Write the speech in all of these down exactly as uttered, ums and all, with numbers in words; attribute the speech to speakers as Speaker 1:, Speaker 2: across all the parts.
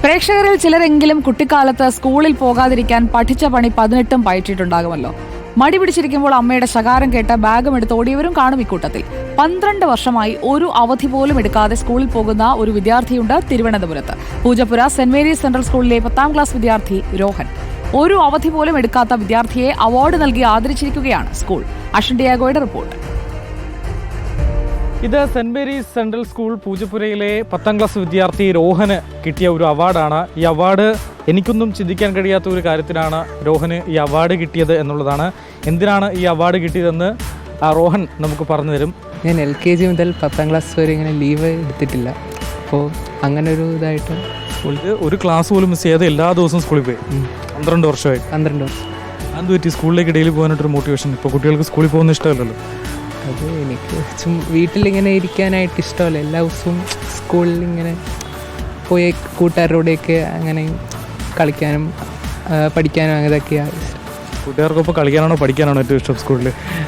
Speaker 1: പ്രേക്ഷകരിൽ ചിലരെങ്കിലും കുട്ടിക്കാലത്ത് സ്കൂളിൽ പോകാതിരിക്കാൻ പഠിച്ച പണി പതിനെട്ടും പയറ്റിയിട്ടുണ്ടാകുമല്ലോ. മടി പിടിച്ചിരിക്കുമ്പോൾ അമ്മയുടെ ശകാരം കേട്ട് ബാഗും എടുത്ത് ഓടിയവരും കാണും ഇക്കൂട്ടത്തിൽ. പന്ത്രണ്ട് വർഷമായി ഒരു അവധി പോലും എടുക്കാതെ സ്കൂളിൽ പോകുന്ന ഒരു വിദ്യാർത്ഥിയുണ്ട് തിരുവനന്തപുരത്ത്. പൂജപ്പുര സെന്റ് മേരീസ് സെൻട്രൽ സ്കൂളിലെ പത്താം ക്ലാസ് വിദ്യാർത്ഥി രോഹൻ. ഒരു അവധി പോലും എടുക്കാത്ത വിദ്യാർത്ഥിയെ അവാർഡ് നൽകി ആദരിച്ചിരിക്കുകയാണ് സ്കൂൾ. അഷൻ ഡിയാഗോയുടെ റിപ്പോർട്ട്.
Speaker 2: ഇത് സെന്റ് മേരീസ് സെൻട്രൽ സ്കൂൾ പൂജപ്പുരയിലെ പത്താം ക്ലാസ് വിദ്യാർത്ഥി രോഹന് കിട്ടിയ ഒരു അവാർഡാണ്. ഈ അവാർഡ് എനിക്കൊന്നും ചിന്തിക്കാൻ കഴിയാത്ത ഒരു കാര്യത്തിനാണ് രോഹന് ഈ അവാർഡ് കിട്ടിയത് എന്നുള്ളതാണ്. എന്തിനാണ് ഈ അവാർഡ് കിട്ടിയതെന്ന് രോഹൻ നമുക്ക് പറഞ്ഞു തരും.
Speaker 3: ഞാൻ എൽ കെ ജി മുതൽ പത്താം ക്ലാസ് വരെ ഇങ്ങനെ ലീവ് എടുത്തിട്ടില്ല. അപ്പോൾ അങ്ങനെ ഒരു ഇതായിട്ട്
Speaker 2: സ്കൂളിൽ ഒരു ക്ലാസ് പോലും മിസ് ചെയ്യാതെ എല്ലാ ദിവസവും സ്കൂളിൽ പോയി. പന്ത്രണ്ട് വർഷമായി
Speaker 3: പന്ത്രണ്ട് വർഷം
Speaker 2: അത് പറ്റി സ്കൂളിലേക്ക് ഡെയിലി പോകാനായിട്ടൊരു മോട്ടിവേഷൻ. ഇപ്പോൾ കുട്ടികൾക്ക് സ്കൂളിൽ പോകുന്ന ഇഷ്ടമല്ലല്ലോ.
Speaker 3: അത് എനിക്ക് ചും വീട്ടിലിങ്ങനെ ഇരിക്കാനായിട്ട് ഇഷ്ടമല്ല. എല്ലാ ദിവസവും സ്കൂളിൽ ഇങ്ങനെ പോയി കൂട്ടുകാരോടെയൊക്കെ അങ്ങനെ കളിക്കാനും പഠിക്കാനും അങ്ങനെയൊക്കെയാണ് ഇഷ്ടം.
Speaker 2: കൂട്ടുകാർക്കൊപ്പം കളിക്കാനാണോ പഠിക്കാനാണോ ഏറ്റവും ഇഷ്ടം സ്കൂളിൽ?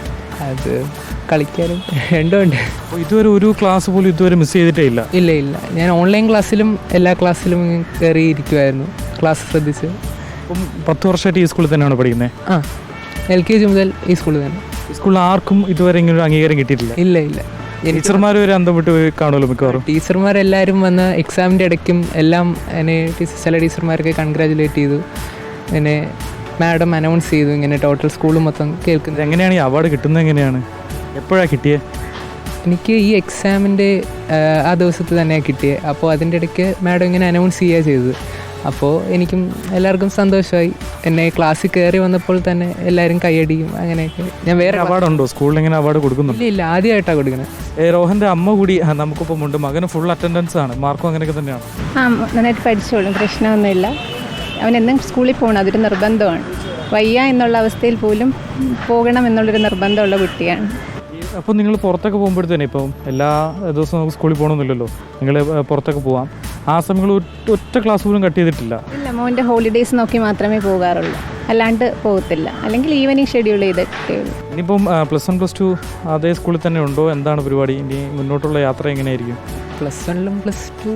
Speaker 3: അത് കളിക്കാനും രണ്ടും ഉണ്ട്.
Speaker 2: അപ്പോൾ ഇതുവരെ ഒരു ക്ലാസ് പോലും ഇതുവരെ മിസ് ചെയ്തിട്ടേ ഇല്ല?
Speaker 3: ഇല്ല ഇല്ല ഞാൻ ഓൺലൈൻ ക്ലാസ്സിലും എല്ലാ ക്ലാസ്സിലും കയറിയിരിക്കുമായിരുന്നു, ക്ലാസ് ശ്രദ്ധിച്ച്.
Speaker 2: അപ്പം പത്ത് വർഷമായിട്ട് ഈ സ്കൂളിൽ തന്നെയാണ് പഠിക്കുന്നത്?
Speaker 3: ആ, എൽ കെ ജി മുതൽ ഈ സ്കൂളിൽ തന്നെ.
Speaker 2: ഈ സ്കൂളിൽ ആർക്കും ഇതുവരെ ഇങ്ങനെ ഒരു അംഗീകാരം കിട്ടിയിട്ടില്ല?
Speaker 3: ഇല്ല ഇല്ല
Speaker 2: ടീച്ചർമാർ ഒരു അന്തം വിട്ട് കാണുമല്ലോ മിക്കവാറും.
Speaker 3: ടീച്ചർമാരെല്ലാവരും വന്ന് എക്സാമിൻ്റെ ഇടയ്ക്കും എല്ലാം എന്നെ ചില ടീച്ചർമാർക്ക് കൺഗ്രാജുലേറ്റ് ചെയ്തു. എന്നെ മാഡം അനൗൺസ് ചെയ്തു ഇങ്ങനെ ടോട്ടൽ സ്കൂൾ മൊത്തം കേൾക്കുന്നത്.
Speaker 2: എങ്ങനെയാണ് ഈ അവാർഡ് കിട്ടുന്നത്? എങ്ങനെയാണ്, എപ്പോഴാണ് കിട്ടിയത്?
Speaker 3: എനിക്ക് ഈ എക്സാമിൻ്റെ ആ ദിവസത്ത് തന്നെയാണ് കിട്ടിയത്. അപ്പോൾ അതിൻ്റെ ഇടയ്ക്ക് മാഡം ഇങ്ങനെ അനൗൺസ് ചെയ്യുക ചെയ്തത്. അപ്പോൾ എനിക്കും എല്ലാവർക്കും സന്തോഷമായി. എന്നെ ക്ലാസ്സിൽ കയറി വന്നപ്പോൾ തന്നെ എല്ലാവരും കൈയടിയും അങ്ങനെയൊക്കെ. ഞാൻ വേറെ
Speaker 2: അവാർഡ് ഉണ്ടോ സ്കൂളിൽ ഇങ്ങനെ അവാർഡ് കൊടുക്കുന്നുണ്ട്?
Speaker 3: ഇല്ല ഇല്ല ആദ്യമായിട്ടാണ് കൊടുക്കുന്നത്.
Speaker 2: രോഹൻ്റെ അമ്മ കൂടി നമുക്കിപ്പം ഉണ്ട്. മകന് ഫുൾ അറ്റൻഡൻസ് ആണ്, മാർക്കും അങ്ങനെയൊക്കെ തന്നെയാണ്?
Speaker 4: ആ, നന്നായിട്ട് പഠിച്ചോളും, പ്രശ്നമൊന്നുമില്ല. അവനെന്നും സ്കൂളിൽ പോകണം, അതൊരു നിർബന്ധമാണ്. വയ്യ എന്നുള്ള അവസ്ഥയിൽ പോലും പോകണം എന്നുള്ളൊരു നിർബന്ധമുള്ള കുട്ടിയാണ്.
Speaker 2: അപ്പോൾ നിങ്ങൾ പുറത്തൊക്കെ പോകുമ്പോഴത്തേനെ ഇപ്പം എല്ലാ ദിവസവും നമുക്ക് സ്കൂളിൽ പോകണമെന്നില്ലല്ലോ, നിങ്ങൾ പുറത്തൊക്കെ പോവാം. ആ സമയങ്ങൾ ഒറ്റ ക്ലാസ് പോലും കട്ട് ചെയ്തിട്ടില്ല?
Speaker 4: ഇല്ല, മോൻ്റെ ഹോളിഡേയ്സ് നോക്കി മാത്രമേ പോകാറുള്ളൂ, അല്ലാണ്ട് പോകത്തില്ല. അല്ലെങ്കിൽ ഈവനിങ് ഷെഡ്യൂൾ ചെയ്തിട്ടേ ഉള്ളൂ.
Speaker 2: ഇനിയിപ്പം പ്ലസ് വൺ പ്ലസ് ടു അതേ സ്കൂളിൽ തന്നെ ഉണ്ടോ? എന്താണ് പരിപാടി? ഇനി മുന്നോട്ടുള്ള യാത്ര എങ്ങനെയായിരിക്കും?
Speaker 3: പ്ലസ് വണ്ണിലും പ്ലസ് ടു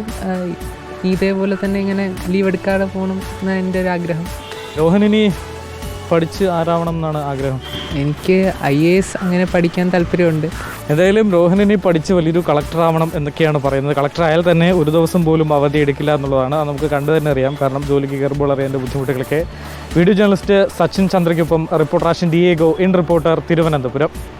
Speaker 3: ഇതേപോലെ തന്നെ ഇങ്ങനെ ലീവ് എടുക്കാതെ പോകണം എന്നാണ് എൻ്റെ ഒരു ആഗ്രഹം.
Speaker 2: രോഹൻ ഇനി പഠിച്ച് ആരാവണം എന്നാണ് ആഗ്രഹം?
Speaker 3: എനിക്ക് ഐ എ എസ് അങ്ങനെ പഠിക്കാൻ താല്പര്യമുണ്ട്.
Speaker 2: എന്തായാലും രോഹനിനി പഠിച്ച് വലിയൊരു കളക്ടർ ആവണം എന്നൊക്കെയാണ് പറയുന്നത്. കളക്ടർ ആയാൽ തന്നെ ഒരു ദിവസം പോലും അവധി എടുക്കില്ല എന്നുള്ളതാണ്. അത് നമുക്ക് കണ്ടു തന്നെ അറിയാം. കാരണം ജോലിക്ക് കയറുമ്പോൾ അറിയാൻ്റെ ബുദ്ധിമുട്ടുകളൊക്കെ. വീഡിയോ ജേർണലിസ്റ്റ് സച്ചിൻ ചന്ദ്രയ്ക്കൊപ്പം reporter Ashan Diego, in reporter, Thiruvananthapuram.